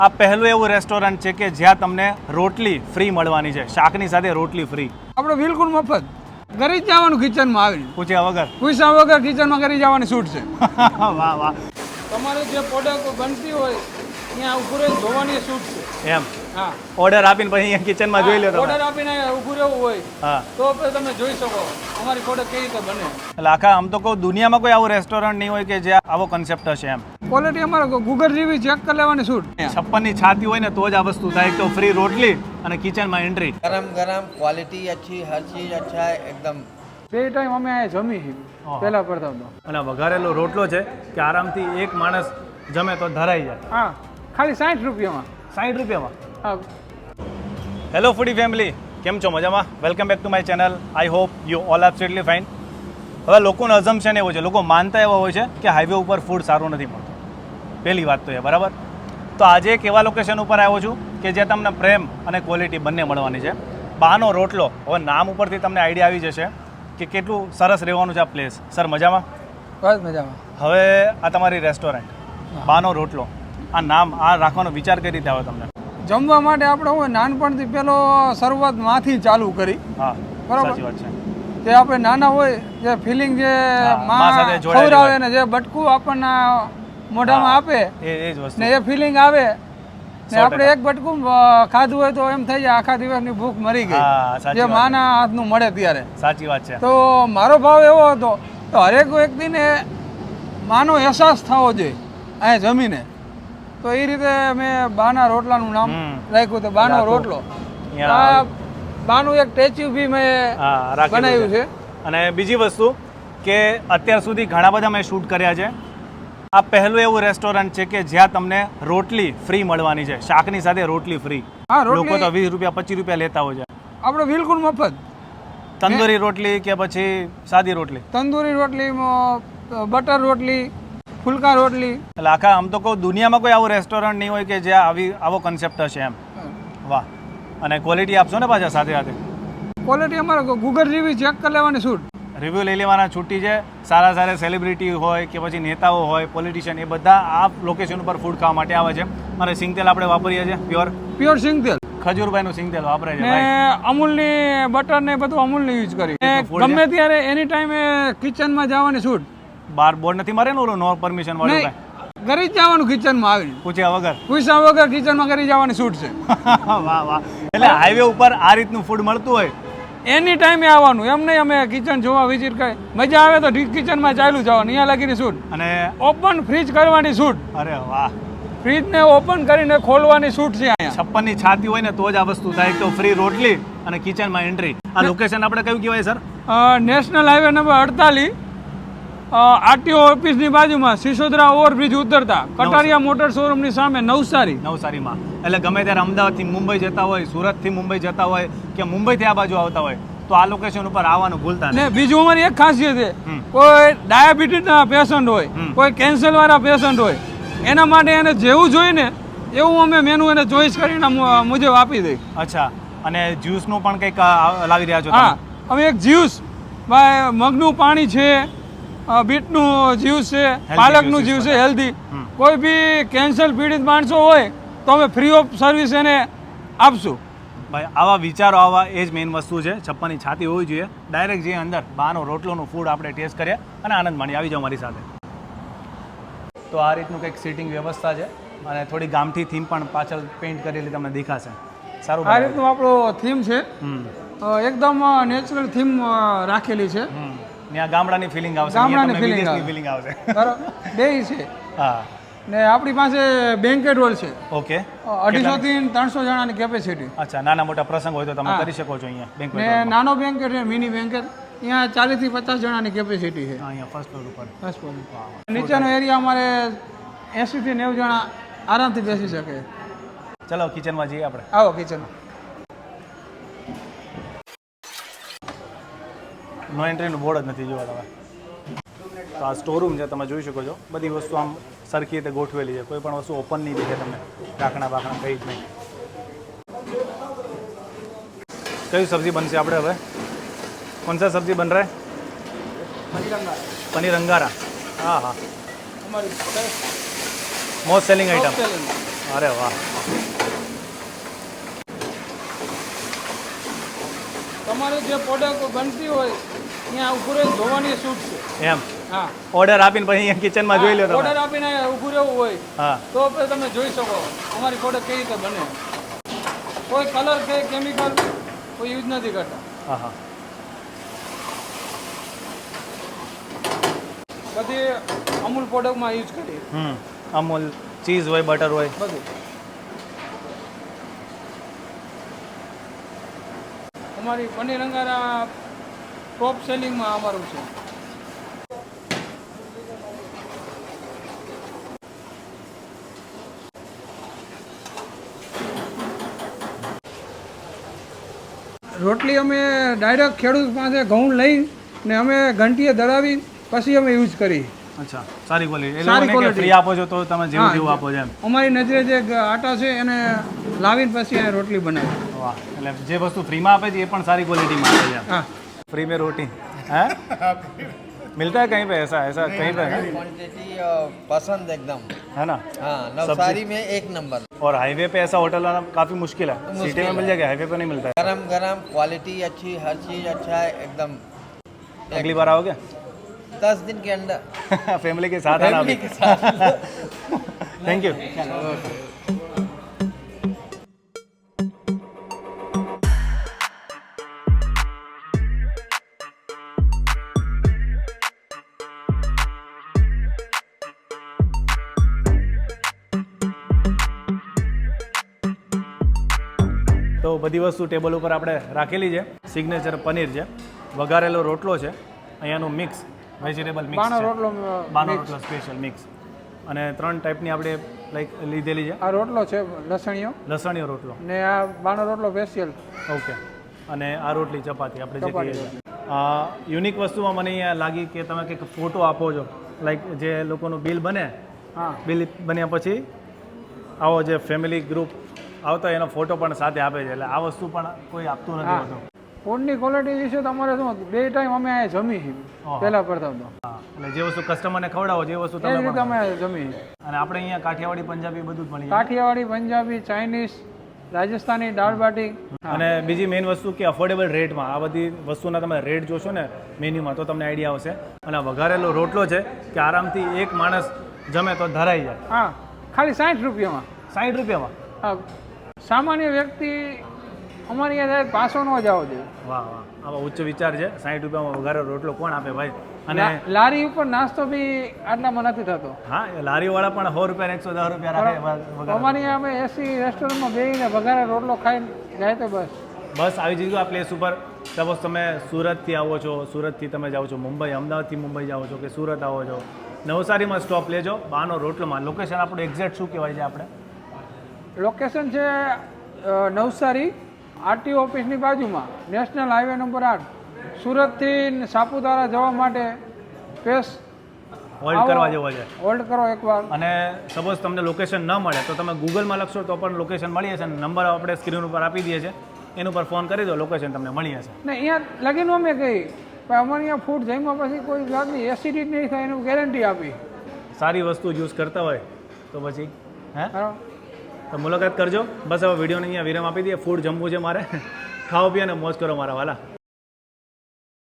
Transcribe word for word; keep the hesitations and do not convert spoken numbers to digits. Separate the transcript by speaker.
Speaker 1: આ પહેલું એવું રેસ્ટોરન્ટ છે કે જ્યાં તમને રોટલી ફ્રી મળવાની છે, શાકની સાથે રોટલી ફ્રી.
Speaker 2: આપણે બિલકુલ મફત ઘરે જ જવાનું, કિચનમાં આવીને
Speaker 1: પૂછ્યા વગર
Speaker 2: પૂછ્યા વગર કિચનમાં કરી જવાની છૂટ છે.
Speaker 1: વાહ વાહ.
Speaker 2: તમારે જે પ્રોડક્ટ બનતી હોય ત્યાં ઉભું રહી જોવાની છૂટ છે.
Speaker 1: એમ
Speaker 2: હા,
Speaker 1: ઓર્ડર આપીને પછી અહીંયા કિચનમાં જોઈ લો તમે.
Speaker 2: ઓર્ડર આપીને ઉભું રહેવું હોય
Speaker 1: હા,
Speaker 2: તો પછી તમે જોઈ શકો અમારી પ્રોડક્ટ કેવી રીતે બને.
Speaker 1: એટલે આખા આમ તો કહું દુનિયામાં કોઈ આવું રેસ્ટોરન્ટ નહીં હોય કે જ્યાં આવો કન્સેપ્ટ હશે. એમ
Speaker 2: ક્વોલિટી અમારે ગૂગલ રિવ્યુ ચેક કરી લેવાની છૂટ.
Speaker 1: છપ્પન ની છાતી હોય ને તો જ આ વસ્તુ થાય. એક તો ફ્રી રોટલી અને કિચનમાં એન્ટ્રી.
Speaker 3: गरम गरम क्वालिटी अच्छी हर चीज़ अच्छा है एकदम.
Speaker 2: બે ટાઈમ અમે અહીંયા જમી
Speaker 1: હા.
Speaker 2: પહેલા કરતા તો.
Speaker 1: અને વઘારેલો રોટલો છે કે આરામથી એક માણસ જમે તો ધરાઈ જાય.
Speaker 2: હા, ખાલી સાઠ રૂપિયામાં.
Speaker 1: સાઠ રૂપિયામાં.
Speaker 2: હા,
Speaker 1: હેલો ફૂડી ફેમિલી, કેમ છો? મજામાં? Welcome back to my channel. I hope you all absolutely fine. હવે લોકોનું અઝમ્પશન એવું છે, લોકો માનતા એવા હોય છે કે હાઈવે ઉપર ફૂડ સારું નથી મળતું. પહેલી વાત તો એ બરાબર. તો આજે એક એવા લોકેશન ઉપર આવ્યો છું કે જ્યાં તમને પ્રેમ અને ક્વોલિટી બંને મળવાની છે. બાનો રોટલો. હવે નામ ઉપરથી તમને આઈડિયા આવી જશે કે કેટલું સરસ રહેવાનું છે આ પ્લેસ. સર મજામાં?
Speaker 2: બસ મજામાં.
Speaker 1: હવે આ તમારી રેસ્ટોરન્ટ બાનો રોટલો, આ નામ આ રાખવાનો વિચાર કઈ રીતે આવ્યો તમને?
Speaker 2: જમવા માટે આપણે હોય નાનપણથી પેલો શરૂઆતમાંથી ચાલુ કરી.
Speaker 1: હા,
Speaker 2: બરાબર.
Speaker 1: સાચી વાત છે.
Speaker 2: જે આપણે નાના હોય જે ફિલિંગ જે
Speaker 1: હા, મા
Speaker 2: માં
Speaker 1: સાથે જોડાયેલી
Speaker 2: ખવડાવે
Speaker 1: હોય.
Speaker 2: ને જે બટકું આપણને મોઢામાં આપે
Speaker 1: એ એ જ વસ્તુ.
Speaker 2: ને એ ફિલિંગ આવે ને
Speaker 1: સો
Speaker 2: આપણે
Speaker 1: ટકા.
Speaker 2: એક બટકું અ, ખાધું હોય તો એમ થઈ જાય આખા દિવસની ભૂખ મરી ગઈ.
Speaker 1: હા, સાચી
Speaker 2: જે
Speaker 1: વાત.
Speaker 2: માના હાથનું મળે ત્યારે.
Speaker 1: સાચી વાત છે.
Speaker 2: તો મારો ભાવ એવો હતો તો હરેક વ્યક્તિને માનો અહેસાસ થવો જોઈએ અહીંયા જમીને. તો એ રીતે મેં બાના રોટલાનું નામ
Speaker 1: હમ.
Speaker 2: રાખ્યું તો બાનો
Speaker 1: રાખો.
Speaker 2: રોટલો.
Speaker 1: અહીંયા
Speaker 2: આ બાનું એક સ્ટેચ્યુ બી મેં
Speaker 1: હા, રાખેલું
Speaker 2: બનાવ્યું છે.
Speaker 1: અને બીજી વસ્તુ કે અત્યાર સુધી ઘણા બધા મેં શૂટ કર્યા છે. આ પહેલું એવું રેસ્ટોરન્ટ છે કે જ્યાં તમને રોટલી ફ્રી મળવાની છે, શાકની સાથે રોટલી ફ્રી.
Speaker 2: હા,
Speaker 1: લોકો
Speaker 2: રોટલી
Speaker 1: તો વીસ રૂપિયા પચીસ રૂપિયા લેતા હોય છે.
Speaker 2: આપણે બિલકુલ મફત.
Speaker 1: તંદૂરી રોટલી કે પછી સાદી રોટલી.
Speaker 2: તંદૂરી રોટલી બટર રોટલી, ફુલકા રોટલી.
Speaker 1: એટલે આખા આમ તો કહું દુનિયામાં કોઈ આવું રેસ્ટોરન્ટ નહીં હોય કે જ્યાં આવી આવો કન્સેપ્ટ હશે. એમ વાહ. અને ક્વોલિટી આપશો ને પાછા સાથે સાથે?
Speaker 2: ક્વોલિટી અમારે ગૂગલ રિવ્યુ ચેક કરી લેવાની છૂટ.
Speaker 1: રિવ્યૂ લઈ લેવાના છૂટી છે. સારા સારા સેલિબ્રિટી હોય કે પછી નેતાઓ હોય, પોલિટિશિયન, એ બધા આ લોકેશન ઉપર ફૂડ ખાવા માટે આવે છે. અને સિંગતેલ આપણે વાપરીએ છીએ પ્યોર
Speaker 2: પ્યોર સિંગ તેલ
Speaker 1: ખજૂરભાઈનું સિંગતેલ વાપરે છે
Speaker 2: ને
Speaker 1: ભાઈ.
Speaker 2: અમૂલની બટર ને બધું અમૂલની યુઝ કરી. ને
Speaker 1: food
Speaker 2: ગમે ત્યારે એની ટાઈમે કિચનમાં જવાની છૂટ.
Speaker 1: બાર બોર્ડ નથી મારે ને ઓલું નો પરમિશન વાળું
Speaker 2: નહીં,
Speaker 1: કાંઈ?
Speaker 2: ઘરે જ જવાનું કિચનમાં આવીને
Speaker 1: પૂછ્યા વગર.
Speaker 2: પૂછ્યા વગર કિચનમાં કરી જવાની છૂટ છે.
Speaker 1: વાહ વાહ. એટલે હાઈવે ઉપર આ રીતનું ફૂડ મળતું હોય.
Speaker 2: એની ટાઈમે આવવાનું, એમ નહીં અમે કિચન જોવા વિઝિટ કરી. મજા આવે તો કિચનમાં ચાલ્યું જવાનું, અહીંયા લાગીની છૂટ.
Speaker 1: અને
Speaker 2: ઓપન ફ્રીજ કરવાની છૂટ.
Speaker 1: અરે વાહ,
Speaker 2: ફ્રીજને ઓપન કરીને ખોલવાની છૂટ છે અહીંયા.
Speaker 1: છપ્પન ની છાતી હોય ને તો જ આ વસ્તુ થાય. એક તો ફ્રી રોટલી અને કિચનમાં એન્ટ્રી. આ લોકેશન આપણે કયું કહેવાય sir?
Speaker 2: Uh, national highway number અડતાલીસ, આરટીઓ ઓફિસની બાજુમાં સિસોદરા ઓવરબ્રિજ ઉતરતા કટારિયા મોટર શોરૂમની સામે નવસારી.
Speaker 1: નવસારીમાં. એટલે ગમે ત્યારે અમદાવાદથી મુંબઈ જતા હોય, સુરતથી મુંબઈ જતા હોય કે મુંબઈથી આ બાજુ આવતા હોય તો આ લોકેશન ઉપર આવવાનું ભૂલતા નહીં.
Speaker 2: ને બીજું અમારી એક ખાસિયત છે,
Speaker 1: હમ.
Speaker 2: કોઈ ડાયાબિટીસના પેશન્ટ હોય,
Speaker 1: હમ.
Speaker 2: કોઈ કેન્સર વાળા પેશન્ટ હોય, એના માટે એને જેવું જોઈએ ને એવું અમે મેનુ એને ચોઈસ કરીને મુ- મુજબ આપી દઈએ.
Speaker 1: અચ્છા. અને જ્યુસનું પણ કંઈક આ લાવી રહ્યા છો
Speaker 2: હા,
Speaker 1: તમે?
Speaker 2: હવે એક જ્યુસ ભાઈ મગનું પાણી છે, અ, બીટનું જ્યુસ છે, પાલકનું
Speaker 1: juices
Speaker 2: જ્યુસ છે,
Speaker 1: બધા.
Speaker 2: હેલ્ધી.
Speaker 1: હમ.
Speaker 2: કોઈ બી કેન્સર પીડિત માણસો હોય તો અમે ફ્રી ઓફ સર્વિસ એને આપશું.
Speaker 1: ભાઈ આવા વિચારો આવા એ જ મેઇન વસ્તુ છે. છપ્પનની છાતી હોવી જોઈએ. ડાયરેક્ટ જે અંદર બાનો રોટલોનું ફૂડ આપણે ટેસ્ટ કરીએ અને આનંદ માણીએ. આવી જાઓ મારી સાથે. તો આ રીતનું કંઈક સીટિંગ વ્યવસ્થા છે અને થોડી ગામઠી થીમ પણ પાછળ પેઇન્ટ કરેલી તમને દેખાશે. સારું
Speaker 2: આ
Speaker 1: બનાવ્યું.
Speaker 2: રીતનું આપણો થીમ છે.
Speaker 1: હમ
Speaker 2: અ, એકદમ નેચરલ થીમ રાખેલી છે.
Speaker 1: હમ. ત્યાં ગામડાની ફિલિંગ આવશે,
Speaker 2: ગામડાની
Speaker 1: અહીંયા તમને
Speaker 2: feeling
Speaker 1: વિદેશની
Speaker 2: આવે.
Speaker 1: feeling આવશે.
Speaker 2: બરાબર, બે છે.
Speaker 1: હા,
Speaker 2: ને આપણી પાસે બેન્કેટ હોલ છે.
Speaker 1: ઓકે.
Speaker 2: અઢીસો થી ત્રણસો જણાની કેપેસિટી.
Speaker 1: અચ્છા, નાના મોટા પ્રસંગ હોય તો તમે
Speaker 2: હા.
Speaker 1: કરી શકો છો અહીંયા
Speaker 2: ને
Speaker 1: banquet hall માં.
Speaker 2: નાનો બેન્કેટ છે, મિની બેન્કેટ. અહીંયા ચાલીસ થી પચાસ જણાની કેપેસિટી છે.
Speaker 1: હા, અહીંયા ફર્સ્ટ ફ્લોર ઉપર.
Speaker 2: બસ બોલો. નીચેનો એરિયા અમારે એસી થી નેવું જણા આરામથી બેસી શકે.
Speaker 1: ચલો કિચનમાં જઈએ આપણે.
Speaker 2: આવો કિચન.
Speaker 1: નો એન્ટ્રીનું બોર્ડ જ નથી જોવા તમે. તો આ સ્ટોરૂમ છે, તમે જોઈ શકો છો. બધી વસ્તુ આમ સરખી રીતે ગોઠવેલી છે. કોઈ પણ વસ્તુ ઓપન નહીં દેખે તમને. ઢાંકણા બાકણા કંઈ જ નહીં. કઈ સબ્જી બનશે આપણે હવે? કોણ સા સબ્જી બન રહા હે? પનીર અંગારા. હા હા, મોસ્ટ સેલિંગ આઈટમ. અરે વાહ.
Speaker 2: તમારે જે પ્રોડક્ટ બનતી હોય ત્યાં ઉભું રહીને જોવાની છૂટ છે.
Speaker 1: એમ
Speaker 2: હા,
Speaker 1: ઓર્ડર આપીને પછી અહીંયા કિચનમાં જોઈ લો તમે.
Speaker 2: ઓર્ડર આપીને ઊભું રહેવું હોય
Speaker 1: હા
Speaker 2: તો પછી તમે જોઈ શકો અમારી પ્રોડક્ટ કેવી રીતે બને. કોઈ કલર કે કેમિકલ કોઈ યુઝ નથી કરતા.
Speaker 1: હા હા.
Speaker 2: બધી અમૂલ પ્રોડક્ટમાં યુઝ કરીએ
Speaker 1: હમ અમૂલ ચીઝ હોય બટર હોય.
Speaker 2: બધું. અમારી પનીર અંગારા ટોપ સેલિંગમાં અમારું છે. રોટલી અમે ડાયરેક્ટ ખેડૂત પાસે ઘઉં લઈ ને અમે ઘંટીએ દળાવી પછી અમે યુઝ કરી.
Speaker 1: અચ્છા સારી ક્વોલિટી. એ
Speaker 2: સારી
Speaker 1: લોકોને કે
Speaker 2: quality.
Speaker 1: ફ્રી આપો છો તો તમે જેવું
Speaker 2: હા,
Speaker 1: જેવું આપો છો એમ.
Speaker 2: અમારી નજરે જે ગ- આટા છે એને લાવીને પછી એને રોટલી બનાવી.
Speaker 1: વાહ. એટલે જે વસ્તુ ફ્રીમાં આપે છે એ પણ સારી ક્વોલિટીમાં આપે છે એમ.
Speaker 2: હા,
Speaker 1: फ्री में रोटी है मिलता है कहीं पे ऐसा ऐसा कहीं पे है
Speaker 3: क्वांटिटी पसंद एकदम.
Speaker 1: है ना.
Speaker 3: हाँ, नवसारी में एक नंबर.
Speaker 1: और हाईवे पे ऐसा होटल आना काफ़ी मुश्किल है.
Speaker 3: मुश्किल
Speaker 1: सिटी में मिल
Speaker 3: है.
Speaker 1: जाएगा, हाईवे पे नहीं मिलता है.
Speaker 3: गरम गरम क्वालिटी अच्छी, हर चीज़ अच्छा है एकदम.
Speaker 1: अगली बार आओगे
Speaker 3: दस दिन के अंदर
Speaker 1: फैमिली के साथ आना
Speaker 3: फैमिली
Speaker 1: अभी.
Speaker 3: के साथ.
Speaker 1: Thank you. તો બધી વસ્તુ ટેબલ ઉપર આપણે રાખેલી છે. સિગ્નેચર પનીર છે, વઘારેલો રોટલો છે, અહીંયાનું મિક્સ વેજીટેબલ મિક્સ
Speaker 2: બાનો
Speaker 1: છે,
Speaker 2: રોટલો
Speaker 1: બાનો
Speaker 2: mix.
Speaker 1: રોટલો સ્પેશિયલ મિક્સ, અને ત્રણ ટાઈપની આપણે લાઈક લીધેલી છે.
Speaker 2: આ રોટલો છે લસણીયો
Speaker 1: લસણીયો રોટલો,
Speaker 2: ને આ બાનો રોટલો સ્પેશિયલ.
Speaker 1: ઓકે, અને આ રોટલી ચપાતી આપણે જે
Speaker 2: ચપાતી
Speaker 1: કહીએ છીએ. યુનિક વસ્તુમાં મને અહીંયા લાગી કે તમે કંઈક ફોટો આપો છો, લાઈક જે લોકોનું બિલ બને,
Speaker 2: હા,
Speaker 1: બિલ બન્યા પછી આવો જે ફેમિલી ગ્રુપ આવતા હોય એનો ફોટો પણ સાથે આપે છે. એટલે આ વસ્તુ પણ કોઈ આપતું નથી
Speaker 2: હા.
Speaker 1: હોતું.
Speaker 2: ફૂડની ક્વોલિટી વિશે તમારે શું બે ટાઈમ અમે અહીંયા જમી છીએ
Speaker 1: ઓહો.
Speaker 2: પહેલા કરતા તો
Speaker 1: હા, એટલે જે વસ્તુ કસ્ટમરને ખવડાવો જે વસ્તુ
Speaker 2: એ
Speaker 1: તમે
Speaker 2: રીતે
Speaker 1: પણ
Speaker 2: અમે
Speaker 1: ખાઓ.
Speaker 2: જમી.
Speaker 1: અને આપણે અહીંયા કાઠિયાવાડી પંજાબી બધું જ મળી જાય.
Speaker 2: કાઠિયાવાડી, પંજાબી, ચાઇનીઝ, રાજસ્થાની, દાળ બાટી.
Speaker 1: અને બીજી મેઇન વસ્તુ કે અફોર્ડેબલ રેટમાં આ બધી વસ્તુના તમે રેટ જોશો ને મેન્યુમાં તો તમને આઈડિયા આવશે. અને આ વઘારેલો રોટલો છે કે આરામથી એક માણસ જમે તો ધરાઈ જાય.
Speaker 2: હા, ખાલી સાઠ રૂપિયામાં.
Speaker 1: સાઠ રૂપિયામાં.
Speaker 2: હા, સામાન્ય વ્યક્તિ અમારી અહીંયા પાસો ન જાવો જોઈએ.
Speaker 1: વાહ વાહ, આવા ઉચ્ચ વિચાર છે. સાઠ રૂપિયામાં વઘારેલો રોટલો કોણ આપે ભાઈ? અને
Speaker 2: લા- લારી ઉપર નાસ્તો બી આટલામાં નથી થતો.
Speaker 1: હા, એ લારીવાળા પણ સો રૂપિયા એકસો દસ રૂપિયા રાખે વઘારેલો.
Speaker 2: અમારી અહીંયા અમે એસી રેસ્ટોરન્ટમાં બેસીને વઘારે રોટલો ખાઈને જાય તો બસ.
Speaker 1: બસ આવી જજો આ પ્લેસ ઉપર. સપોઝ તમે સુરતથી આવો છો, સુરતથી તમે જાઓ છો મુંબઈ, અમદાવાદથી મુંબઈ જાઓ છો કે સુરત આવો છો, નવસારીમાં સ્ટોપ લેજો બાનો રોટલોમાં. લોકેશન આપણું એક્ઝેક્ટ શું કહેવાય છે આપણે?
Speaker 2: લોકેશન છે અ, નવસારી આરટીઓ ઓફિસની બાજુમાં, નેશનલ હાઈવે નંબર આઠ. સુરતથી સાપુતારા જવા માટે સ્પેસ
Speaker 1: હોલ્ડ કરવા જેવો છે.
Speaker 2: હોલ્ડ કરો એકવાર.
Speaker 1: અને સપોઝ તમને લોકેશન ન મળે તો તમે ગૂગલમાં લખશો તો પણ લોકેશન મળી જશે. નંબર આપણે સ્ક્રીન ઉપર આપી દઈએ છીએ, એના ઉપર ફોન કરી દો, લોકેશન તમને મળી જશે.
Speaker 2: ને અહીંયા લગીને અમે કહી પણ અમારે અહીંયા ફૂડ જમ્યા પછી કોઈ જાતની એસિડિટી નહીં થાય એનું ગેરંટી આપી.
Speaker 1: સારી વસ્તુ યુઝ કરતા હોય તો પછી હે
Speaker 2: બરાબર.
Speaker 1: તો મુલાકાત કરજો. બસ હવે વિડીયોને અહીંયા વિરામ આપી દઈએ. ફૂડ જમવું છે મારે. ખાઓ પીઓ અને મોજ કરો મારા વાલા.